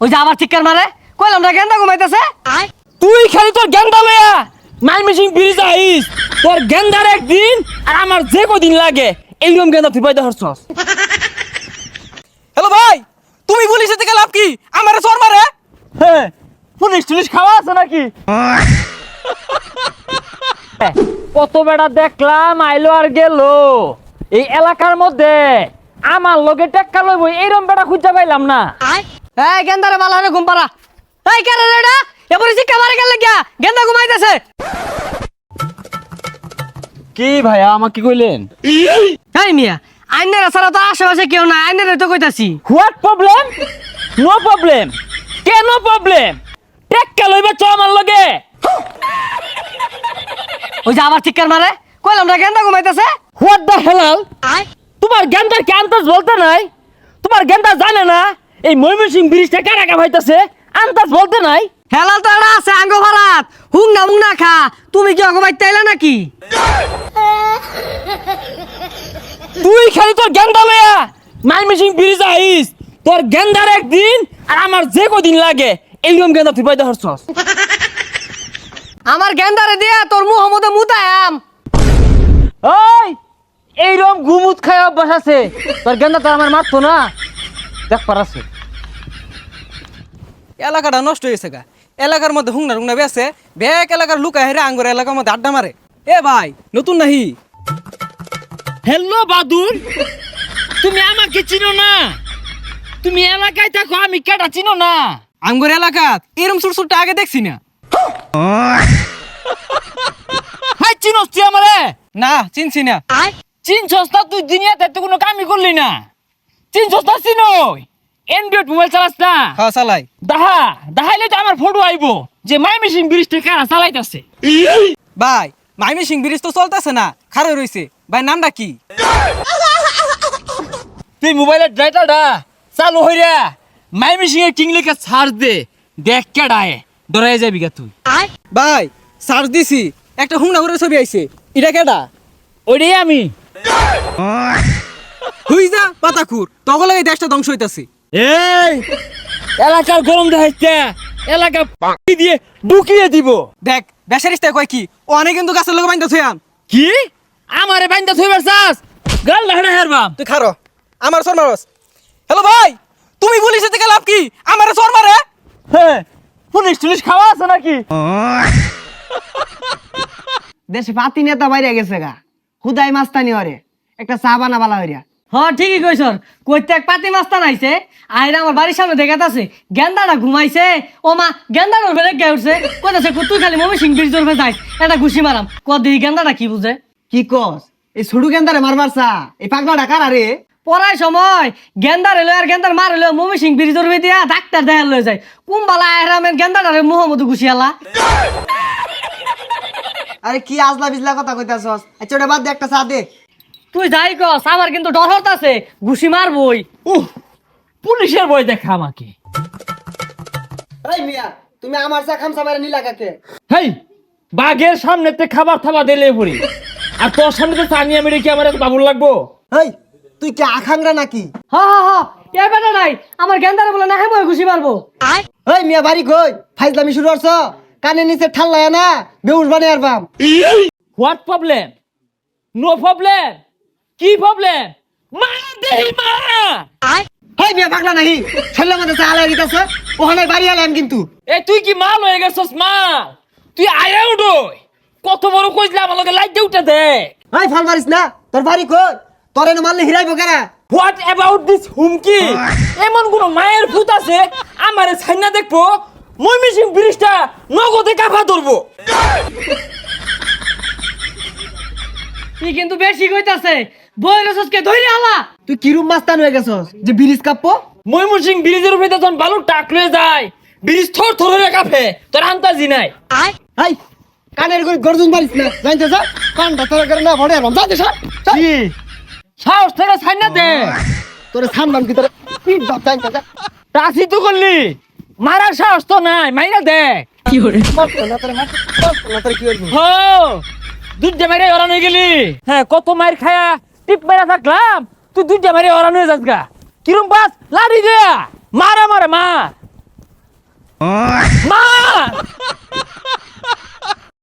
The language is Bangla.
ওই যে আবার চিৎকার মারে কইলাম না গেন্দা ঘুমাইতেছে। তুই খালি তোর গেন্দা লইয়া মাইমিসিং ব্রিজ আইস, তোর গেন্দার একদিন আর আমার যে কদিন লাগে এইরকম গেন্দা তুই পাইতে হরছস। হ্যালো ভাই, তুমি পুলিশে থেকে লাভ কি? আমারে চোর মারে। হ্যাঁ, পুলিশ টুলিশ খাওয়া আছে নাকি? কত বেড়া দেখলাম আইলো আর গেল। এই এলাকার মধ্যে আমার লগে টেক্কা লইব এইরকম বেড়া খুঁজা পাইলাম না। এই গেন্দারে বালা রে ঘুম পাড়া। এই কেন রে এটা এবারে চিৎকার মারে গেল লাগিয়া গেন্দা ঘুমাইতেছে। কি ভাইয়া আমাকে কি কইলেন? এই মিয়া আইনের ছাড়া তো আশেপাশে কেউ নাই, আইনের তো কইতাছি। What problem? No problem. কেন প্রবলেম? টেক্কা লইবা চ আমার লগে। ওই যে আবার চিৎকার মারে কইলাম না গেন্দা ঘুমাইতেছে। What the Helal? তোমার গেন্দার কি আন্দাজ বলতে নাই? তোমার গেন্দা জানে না এই ময়মনসিং ব্রিজটা কারা কা হইতাছে? আন্দাজ বলতে নাই? হেলাল তো এটা আছে আঙ্গ ভারাত হুংনা মুংনা খা। তুমি কি ঘুমাইতে আইলা নাকি? তুই খালি তোর গেন্দা লইয়া ময়মনসিং ব্রিজ আইস, তোর গেন্দার একদিন আর আমার যে কদিন লাগে এইরকম গেন্দা তুই পাইতে হরছস। আমার গেন্দারে দিয়া তোর মুহ মধ্যে মুতায়াম। ওই এইরকম গুমুত খায় অভ্যাস আছে, তোর গেন্দা তো আমার মারতো না। দেখ পারাছে এলাকাটা নষ্ট হয়েছে গা। এলাকার মধ্যে হুংনা টুংনা বেছে ব্যাক এলাকার লুকা হেরে আঙ্গুর এলাকার মধ্যে আড্ডা মারে। এ ভাই নতুন নাহি? হ্যালো বাদুর, তুমি আমাকে চিনো না? তুমি এলাকায় থাকো, আমি কেটা চিনো না? আঙ্গুর এলাকা এরম ছোট ছোট আগে দেখছি না। হাই চিনোস তুই আমারে? না চিনছি না। চিনছস না? তুই দুনিয়াতে তো কোনো কামই করলি না। চিনছস না? চিনই এন্ড্রয়েড মোবাইল চালাস না? হ্যাঁ চালাই। দাহাইলে তো আমার ফটো আইবো যে ময়মনসিং ব্রিজটা কারা চালাইতাছে। ভাই ময়মনসিং ব্রিজ তো চলতেছে না, খারে রইছে। ভাই নামটা কি? তুই মোবাইলের ডাটাটা চালু হইরা ময়মনসিং এর কিং লিখে সার্চ দে, দেখ কেডায় ডরাই যাবি গা তুই। ভাই সার্চ দিছি, একটা হুংনা করে ছবি আইছে। এটা কেডা? ওইটাই আমি। হুই যা পাতাখুর, তখন লাগে দেশটা ধ্বংস হইতাছে। এই এলাকার গরম দেখাইছে, এলাকা দিয়ে ঢুকিয়ে দিব। দেখ বেসারিস্তায় কয় কি, ও অনেক কিন্তু গাছের লোক বাইন্দা থুয়াম। কি আমারে বাইন্দা থইবার চাস? গাল লাহড়া হেরবাম। তুই খারো, আমার চোর মারস। হ্যালো ভাই, তুমি পুলিশে থেকে লাভ কি? আমারে চোর মারে। হ্যাঁ, পুলিশ টুলিশ খাওয়া আছে নাকি? দেশে পাতি নেতা বাইরে গেছে গা, খুদাই মাস্তানি হরে একটা চা বানা বালা হইরা। হ্যাঁ ঠিকই কইছ, কইতে এক পাতি মাস্তান আইছে আইরা আমার বাড়ির সামনে দেখাতাছে গেন্দাটা ঘুমাইছে। ও মা গেন্দাটা ফেলে গে উঠছে, কইতাছে তুই খালি ময়মনসিং ব্রিজ ধরবে যাইস একটা ঘুষি মারাম। কদি গেন্দাটা কি বুঝে? কি কস? এই ছোটু গেন্দারে মারবার চা এই পাগলাটা কারা রে? পড়ার সময় গেন্দার এলো আর গেন্দার মার এলো ময়মনসিং ব্রিজ ধরবে দিয়া ডাক্তার দেখার লয়ে যায়। কুম্বালা আহরামের গেন্দাটারে মোহাম্মদ ঘুষিয়ালা। আরে কি আজলা বিজলা কথা কইতাছস? আচ্ছা ওটা বাদ দে, একটা চা দে। তুই যাই কস আমার কিন্তু ডর হতাছে, ঘুষি মারবই। পুলিশের বই দেখা আমাকে। এই মিয়া, তুমি আমার চা খামসা মারে নিলা কাকে? হেই, বাঘের সামনেতে খাবার থাবা দিলে পড়ি, আর তোর সামনে তো চানিয়া মেরে কি আমার এত বাবুর লাগবো? এই তুই কি আখাংরা নাকি? হা হা হা এ বেটা নাই আমার গেন্দারে বলে না হ্যাঁ মই ঘুষি মারবো। এই মিয়া বাড়ি কই? ফাইজলামি শুরু করছ? কানে নিচে ঠাল্লায় না বেউস বানিয়ে আরবাম। What problem? No problem. কি প্রবলেম? মা দেহি মা। এই মিয়া পাগলা নাহি, ছেলে মধ্যে চা আলাই দিতেছ, ওখানে বাড়ি আলাম কিন্তু। এ তুই কি মাল হয়ে গেছস মাল? তুই আয়া উঠোই কত বড় কইলা আমার লগে লাইট উঠে দে। এই ফল মারিস না, তোর বাড়ি কই? তোর এনে মারলে হিরাইবো কেরা? হোয়াট অ্যাবাউট দিস হুমকি? এমন কোন মায়ের ভূত আছে আমারে ছাইনা দেখবো ময়মনসিং ব্রিজটা নগদে কাফা ধরবো? তুই কিন্তু বেশি কইতাছে, বই রসকে ধইরে আলা। তুই কিরুম মাস্তান হয়ে গেছস যে ব্রিজ কাঁপবো? ময়মনসিং ব্রিজের উপরে যখন বালু টাক লয়ে যায় ব্রিজ থর থর হয়ে কাঁপে, তোর আন্তাজি নাই। এই কানের করে গর্জন মারিস না, জানতে যা কানটা তোর করে না ভরে আরবাম। যাতে সর কি সাহস থেকে ছাইনা দে। তোরে ছানবাম কি তোরে পিট বাপ জানতে যা। টাসি তো করলি, মারার সাহস তো নাই, মাইরা দে। কি করে মারতো না তোরে, মারতো না তোরে, কি করবি? হো দুধে মাইরে ওরান হয়ে গেলি। হ্যাঁ, কত মাইর খায়া টিপ মেরা থাকলাম, তুই দুধে মাইরে ওরান হয়ে যাস গা। কিরম বাস লাড়ি দে, মারা মারে মার। ভাই